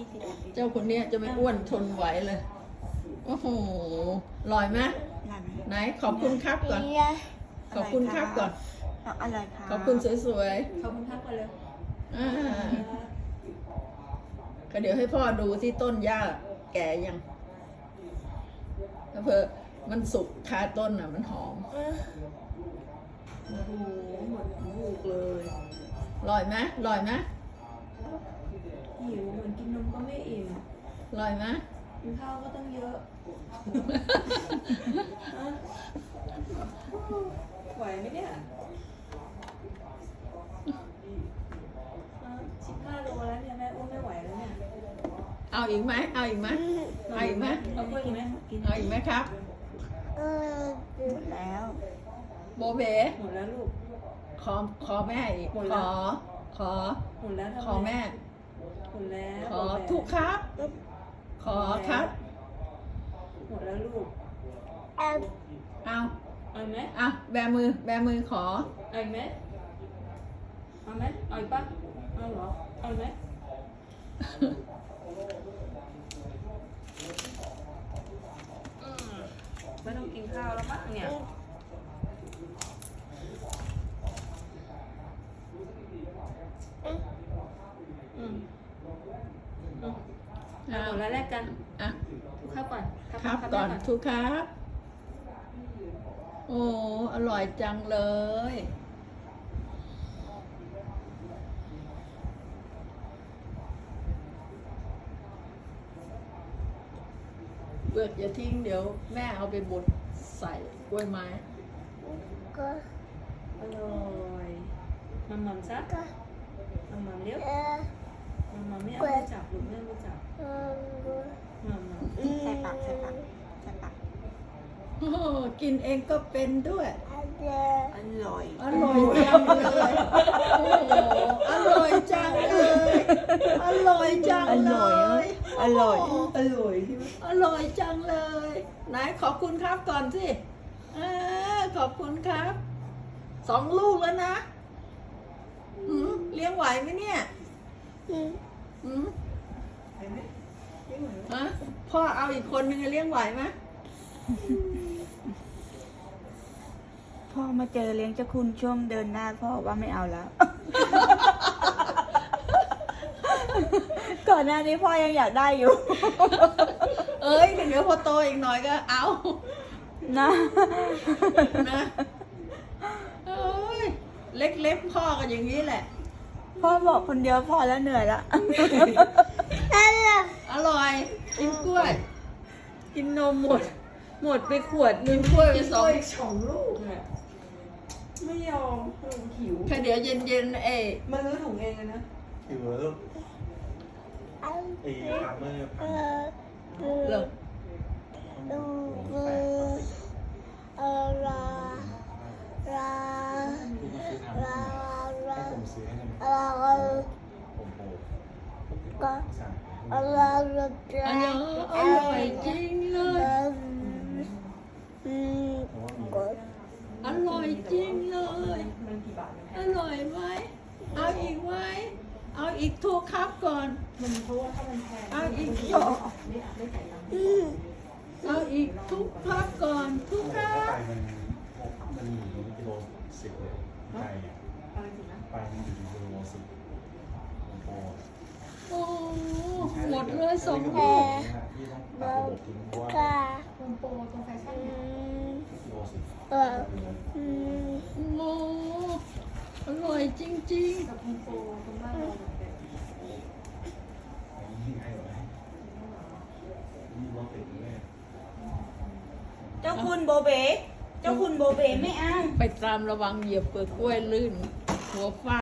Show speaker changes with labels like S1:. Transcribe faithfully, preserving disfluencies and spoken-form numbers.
S1: ยี่สิบ
S2: เจ้าคนเนี้ยจะไม่อ้วนทนไหวเลย โอ้โหอร่อยไหม
S1: ได้ไหม
S2: ไหนขอบคุณครับก่อน ขอบคุณครับก่อน
S1: อะไรคะ
S2: ขอบคุณสวย
S3: ขอบคุณครับก่อนเลย
S2: ๆอ่าก็เดี๋ยวให้พ่อดูที่ต้นหญ้าแก่ยังแล้วเพื่อมันสุกคาต้นอ่ะมันหอม
S3: โอ้โหหมดลูกเลย
S2: อร่อยไหมอร่อยไหม
S3: หิวเหมือนกินนมก็ไม่อิ่ม
S2: อร่อยไหม
S3: กินข้าวก็ต้องเยอะฮะไหวไหมเนี่ยสิบห้าโลแล้วเนี่ยแม่อ้วนไม่ไหวแล้วเนี่ย
S2: เอาอีกไหมเอาอีกไหมเอาอีกไหม
S3: เอากล้วยอีกไหมกิน
S2: เอาอีกไหมครับ
S1: หมดแล้ว
S2: โบเบ๋
S3: หมดแล้วลูก
S2: ขอขอแม่อีก
S3: หมด
S2: ข
S3: แล้ว
S2: อ ขอ
S3: หมดแล้วทำไ
S2: ขอแม่
S3: หมดแล้ว
S2: ขอทุกครับ ขอครับ
S3: หมดแล้วลูก
S2: เอา
S3: เอาอีกไหม
S2: เอาแบมือ แบมือขอ
S3: เอาอีกไหมเอาไหมเอาอีกปะเอาเหรอเอาอีกไหมอืมไม่ต้องกินข้าวแล้วมั้งเนี่ยอืมอืมเอาหมดแล้วแลกกัน
S2: อ่ะ
S3: ทุกข้าวก่อน
S2: ครับก่อนทุกครับ โอ้ อร่อยจังเลย เปลือกอย่าทิ้งเดี๋ยวแม่เอาไปบดใส่กล้วยไม้
S3: อร่อยมัมมัมซะมัมมัมเร็วมัมมัมไม่เอาไปจับหรือไม่เอาไปจับมัมมัม
S1: ใส่ปากใส่ปากใส่ปาก
S2: โอ้กินเองก็เป็นด้วย
S1: อร่อย
S2: อร่อยจังเลย โอ้โหอร่อยจังเลย อร่อยจังเลย
S1: อร่อย
S2: โโห
S3: อร่อยใช่ไหม
S2: อร่อยจังเลย ไหนขอบคุณครับก่อนสิเออขอบคุณครับ สองลูกแล้วนะหืมเลี้ยงไหวไหมเนี่ยหืม
S3: เห็นไหมไม่เหมือน
S2: ฮะพ่อเอาอีกคนนึงจะเลี้ยงไหวไหม
S1: พ่อมาเจอเลี้ยงเจ้าคุณช่วงเดินหน้าพ่อว่าไม่เอาแล้ว ก่อนหน้านี้พ่อยังอยากได้อยู่
S2: เอ้ยเดี๋ยวพอโตอีกหน่อยก็เอา
S1: นะ
S2: นะเอ้ยเล็กๆพ่อก็อย่างนี้แหละ
S1: พ่อบอกคนเดียวพอแล้วเหนื่อยละ
S2: อร่อยกินกล้วย
S1: กินนมหมด หมดไปขวดนึ
S2: กิ
S1: ง
S2: นกล้วยไปสอง
S3: อีกสองลูกเนี่ยไม่ยอมลูกหิว
S2: แค่เดี๋ยวเย็นๆเอ้ย
S3: มาลื้อถุงเองเลยนะ
S4: อยู่แล้วลูกไอ้ฟาร์มเมอร์พัน
S2: เลิก
S4: แปดต่อสิบลูกมาซื้อทำให้ผมซื้อให้ทำผมโปรสั่ง
S2: อร่อยอร่อยจริงเลย
S4: เพราะว่ามี
S2: อร่อยจริงเลย
S3: มันกี่บาทมันแพ
S2: อง ร่อยไหมเอาอีกไหมเอาอีกทุกครับก่อน
S3: มันเพราะว่าถ้ามันแพง
S2: เอาอีก
S3: ไม่ไม่ใส่ตังค์
S2: เอาอีกทุกครับก่อนทุกค
S4: ถ้า
S2: รับ
S4: ไปมันมันอยู่กิโลสิบเลยไก่อะ
S3: อะไรสินะ
S4: ไปมันอยู่กิโลสิบผมโปร
S2: โอ้หมดเลยสอง
S4: ที่
S2: แผ่
S4: ต้องตัดระบบทิ้งเพราะว่า
S3: โฮมโปรตรงแฟชั่นเนี่ย
S4: กิโลสิบ
S2: โอ้อร่อยจริง
S3: กับโฮมโปรตรงบ้านเราเหมือนกัน
S4: ง่ายเลยนี่รถติดแน่
S1: เจ้าคุณโบเบเจ้าคุณโบเบไม่เอา
S2: ๆ ไปตามระวังเหยียบเปลือกกล้วยลื่น หัวฟาด